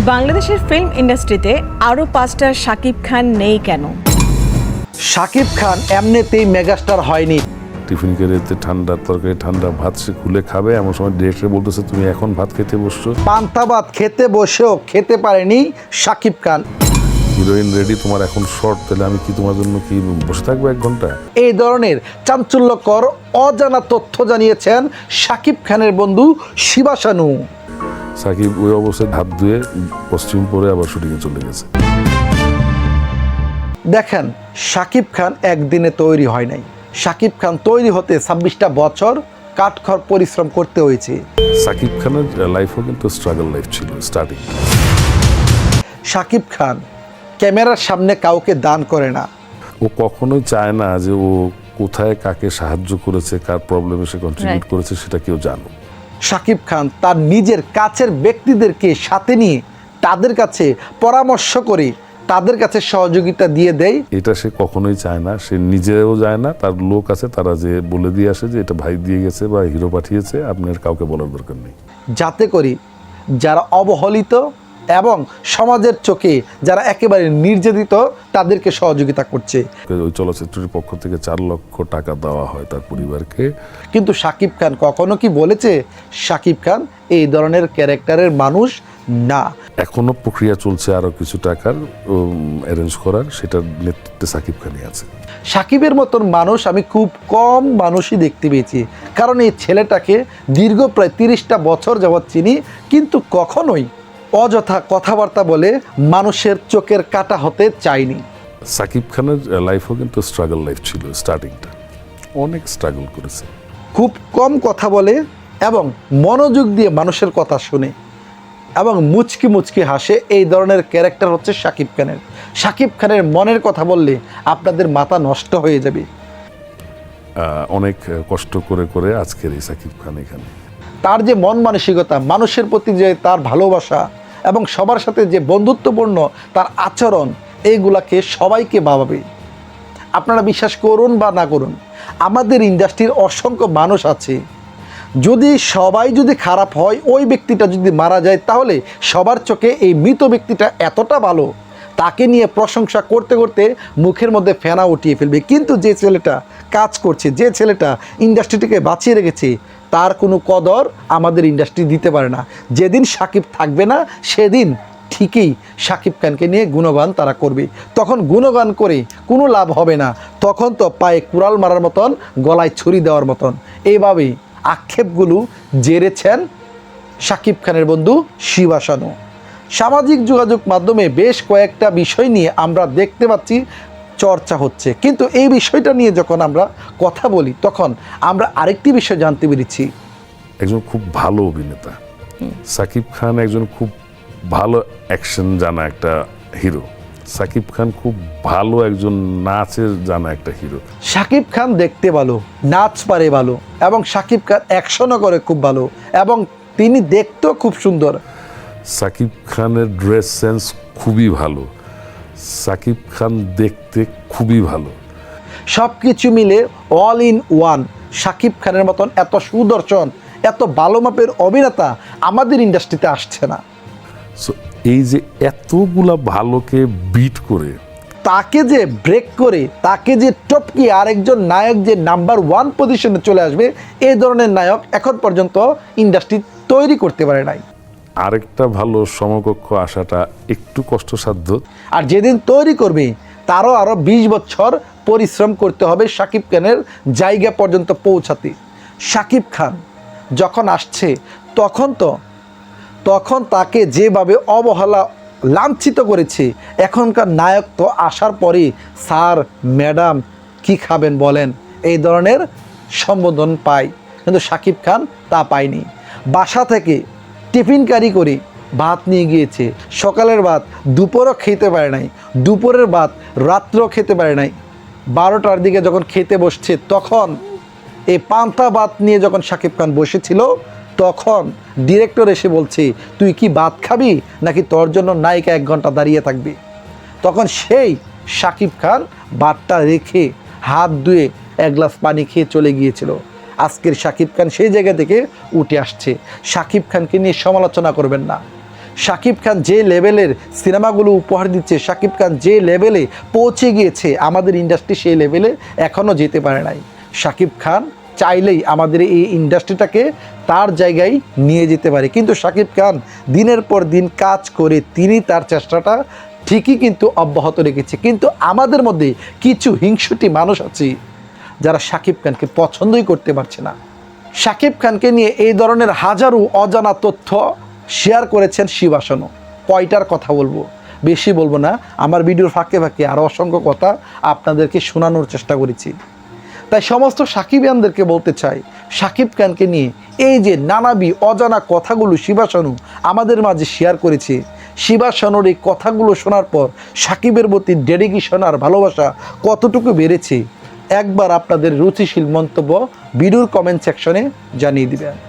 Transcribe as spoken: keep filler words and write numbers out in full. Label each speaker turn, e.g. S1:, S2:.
S1: বাংলাদেশের ফিল্ম ইন্ডাস্ট্রিতে আরও পাঁচটা শাকিব খান নেই কেন?
S2: শাকিব খান এমনিতেই মেগাস্টার হয়নি।
S3: টিফিন কেড়েতে ঠান্ডা তরকারি ঠান্ডা ভাত সে খুলে খাবে, এমন সময় ডিরেক্টর বলতেছে তুমি এখন ভাত খেতে বসছো।
S2: পান্তা ভাত খেতে বসেও খেতে পারেনি শাকিব খান।
S3: হিরোইন রেডি, তোমার এখন শর্ট, তাহলে আমি কি তোমার জন্য কি বসে থাকবো এক ঘন্টা?
S2: এই ধরনের চাঞ্চল্যকর অজানা তথ্য জানিয়েছেন শাকিব খানের বন্ধু শিবা শানু।
S3: সাকিব ওই অবস্থায় হাত ধুয়ে কস্টিউম পরে আবার শুটিংয়ে চলে গেছে।
S2: দেখেন, শাকিব খান একদিনে তৈরি হয় নাই। শাকিব খান তৈরি হতে ছাব্বিশটা বছর কাঠখড় পরিশ্রম করতে হয়েছে।
S3: সাকিব খানের লাইফও কিন্তু স্ট্রাগল লাইফ ছিল স্টার্টিং।
S2: শাকিব খান ক্যামেরার সামনে কাউকে দান করে না।
S3: ও কখনোই চায় না যে ও কোথায় কাকে সাহায্য করেছে, কার প্রবলেমে সে কন্ট্রিবিউট করেছে সেটা কেউ জানুক।
S2: শাকিব খান তার নিজের কাছের ব্যক্তিদেরকে সাথে নিয়ে তাদের কাছে পরামর্শ করে তাদের কাছে সহযোগিতা দিয়ে দেয়।
S3: এটা সে কখনোই চায় না, সে নিজেও যায় না, তার লোক আছে তারা যে বলে দিয়ে আসে যে এটা ভাই দিয়ে গেছে বা হিরো পাঠিয়েছে, আপনার কাউকে বলার দরকার নেই।
S2: যাতে করে যারা অবহেলিত এবং সমাজের চোখে যারা একেবারে নির্যাতিত তাদেরকে সহযোগিতা করছে।
S3: ওই চলচ্চিত্রের পক্ষ থেকে চার লক্ষ টাকা দেওয়া হয় তার পরিবারকে।
S2: কিন্তু শাকিব খান কখনো কি বলেছে শাকিব খান এই ধরনের ক্যারেক্টারের মানুষ না?
S3: এখনো প্রক্রিয়া চলছে আরো কিছু টাকার অ্যারেঞ্জ করার, সেটার নেতৃত্বে সাকিব খানই আছে।
S2: শাকিবের মতন মানুষ আমি খুব কম মানুষই দেখতে পেয়েছি, কারণ এই ছেলেটাকে দীর্ঘ প্রায় তিরিশটা বছর যাবৎ চিনি, কিন্তু কখনোই অযথা কথাবার্তা বলে মানুষের চোখের কাটা হতে চাইনি।
S3: সাকিব খানের লাইফও কিন্তু স্ট্রাগল লাইফ ছিল স্টার্টিংটা, অনেক স্ট্রাগল করেছে।
S2: খুব কম কথা বলে এবং মনোযোগ দিয়ে মানুষের কথা শুনে এবং মুচকি মুচকি হাসে, এই ধরনের ক্যারেক্টার হচ্ছে শাকিব খানের। শাকিব খানের মনের কথা বললে আপনাদের মাথা নষ্ট হয়ে যাবে।
S3: অনেক কষ্ট করে করে আজকের এই সাকিব খান এখানে।
S2: তার যে মন মানসিকতা, মানুষের প্রতি যে তার ভালোবাসা এবং সবার সাথে যে বন্ধুত্বপূর্ণ তার আচরণ, এইগুলাকে সবাইকে ভাবাবে। আপনারা বিশ্বাস করুন বা না করুন, আমাদের ইন্ডাস্ট্রির অসংখ্য মানুষ আছে, যদি সবাই যদি খারাপ হয়, ওই ব্যক্তিটা যদি মারা যায়, তাহলে সবার চোখে এই মৃত ব্যক্তিটা এতটা ভালো, তাকে নিয়ে প্রশংসা করতে করতে মুখের মধ্যে ফেনা উঠিয়ে ফেলবে। কিন্তু যে ছেলেটা কাজ করছে, যে ছেলেটা ইন্ডাস্ট্রিটিকে বাঁচিয়ে রেখেছে, তার কোনো কদর আমাদের ইন্ডাস্ট্রি দিতে পারে না। যেদিন শাকিব থাকবে না, সেদিন ঠিকই শাকিব খানকে নিয়ে গুণগান তারা করবে। তখন গুণগান করে কোনো লাভ হবে না, তখন তো পায়ে কুড়াল মারার মতন, গলায় ছুরি দেওয়ার মতন। এইভাবেই আক্ষেপগুলো জেরেছেন শাকিব খানের বন্ধু শিবা শানু। সামাজিক যোগাযোগ মাধ্যমে বেশ কয়েকটা বিষয় নিয়ে আমরা দেখতে পাচ্ছি চর্চা হচ্ছে, কিন্তু এই বিষয়টা নিয়ে যখন আমরা কথা বলি তখন আমরা আরেকটি বিষয় জানতে পেরেছি।
S3: একজন খুব ভালো অভিনেতা সাকিব খান, একজন খুব ভালো অ্যাকশন জানা একটা হিরো। সাকিব খান খুব ভালো একজন নাচের জানা একটা হিরো।
S2: শাকিব খান দেখতে ভালো, নাচ পারে ভালো, এবং শাকিব খান অ্যাকশনও করে খুব ভালো, এবং তিনি দেখতেও খুব সুন্দর।
S3: সাকিব খানের ড্রেস সেন্স খুবই ভালো, সাকিব খান দেখতে খুবই ভালো।
S2: সব কিছু মিলে অল ইন ওয়ান। শাকিব খানের মতন এত সুদর্শন, এত ভালো মাপের অভিনেতা আমাদের ইন্ডাস্ট্রিতে আসছে না।
S3: সো এই যে এতগুলা ভালোকে বিট করে,
S2: তাকে যে ব্রেক করে, তাকে যে টপকি আরেকজন নায়ক যে নাম্বার ওয়ান পজিশনে চলে আসবে, এই ধরনের নায়ক এখন পর্যন্ত ইন্ডাস্ট্রি তৈরি করতে পারে নাই।
S3: আরেকটা ভালো সমকক্ষ আসাটা একটু কষ্টসাধ্য।
S2: আর যেদিন তৈরি করবে, তারও আরও বিশ বছর পরিশ্রম করতে হবে শাকিব খানের জায়গা পর্যন্ত পৌঁছাতে। শাকিব খান যখন আসছে, তখন তো তখন তাকে যেভাবে অবহেলা লাঞ্ছিত করেছে, এখনকার নায়ক তো আসার পরে স্যার ম্যাডাম কি খাবেন বলেন, এই ধরনের সম্বোধন পায়, কিন্তু শাকিব খান তা পায়নি। বাসা থেকে টিফিন ক্যারি করে ভাত নিয়ে গিয়েছে, সকালের ভাত দুপুরও খেতে পারে নাই, দুপুরের ভাত রাত্রেও খেতে পারে নাই। বারোটার দিকে যখন খেতে বসছে, তখন এই পান্তা ভাত নিয়ে যখন শাকিব খান বসেছিল, তখন ডিরেক্টর এসে বলছে তুই কি ভাত খাবি নাকি তোর জন্য নায়িকা এক ঘন্টা দাঁড়িয়ে থাকবে। তখন সেই শাকিব খান ভাতটা রেখে হাত ধুয়ে এক গ্লাস পানি খেয়ে চলে গিয়েছিল। আজকের শাকিব খান সেই জায়গা থেকে উঠে আসছে। শাকিব খানকে নিয়ে সমালোচনা করবেন না। শাকিব খান যে লেভেলের সিনেমাগুলো উপহার দিচ্ছে, শাকিব খান যে লেভেলে পৌঁছে গিয়েছে, আমাদের ইন্ডাস্ট্রি সেই লেভেলে এখনও যেতে পারে নাই। শাকিব খান চাইলেই আমাদের এই ইন্ডাস্ট্রিটাকে তার জায়গায় নিয়ে যেতে পারে, কিন্তু শাকিব খান দিনের পর দিন কাজ করে তিনি তার চেষ্টাটা ঠিকই কিন্তু অব্যাহত রেখেছে। কিন্তু আমাদের মধ্যে কিছু হিংসুটি মানুষ আছে যারা শাকিব খানকে পছন্দই করতে পারছে না। শাকিব খানকে নিয়ে এই ধরনের হাজারো অজানা তথ্য শেয়ার করেছেন শিবাসনও। কয়টার কথা বলবো, বেশি বলবো না, আমার ভিডিওর ফাঁকে ফাঁকে আরও অসংখ্য কথা আপনাদেরকে শোনানোর চেষ্টা করেছি। তাই সমস্ত সাকিবিয়ানদেরকে বলতে চাই, শাকিব খানকে নিয়ে এই যে নানাবি অজানা কথাগুলো শিবাসনু আমাদের মাঝে শেয়ার করেছে, শিবাসনুর এই কথাগুলো শোনার পর সাকিবের প্রতি ডেডিকেশন আর ভালোবাসা কতটুকু বেড়েছে একবার আপনাদের রুচিশীল মন্তব্য ভিডিওর কমেন্ট সেকশনে জানিয়ে দিবেন।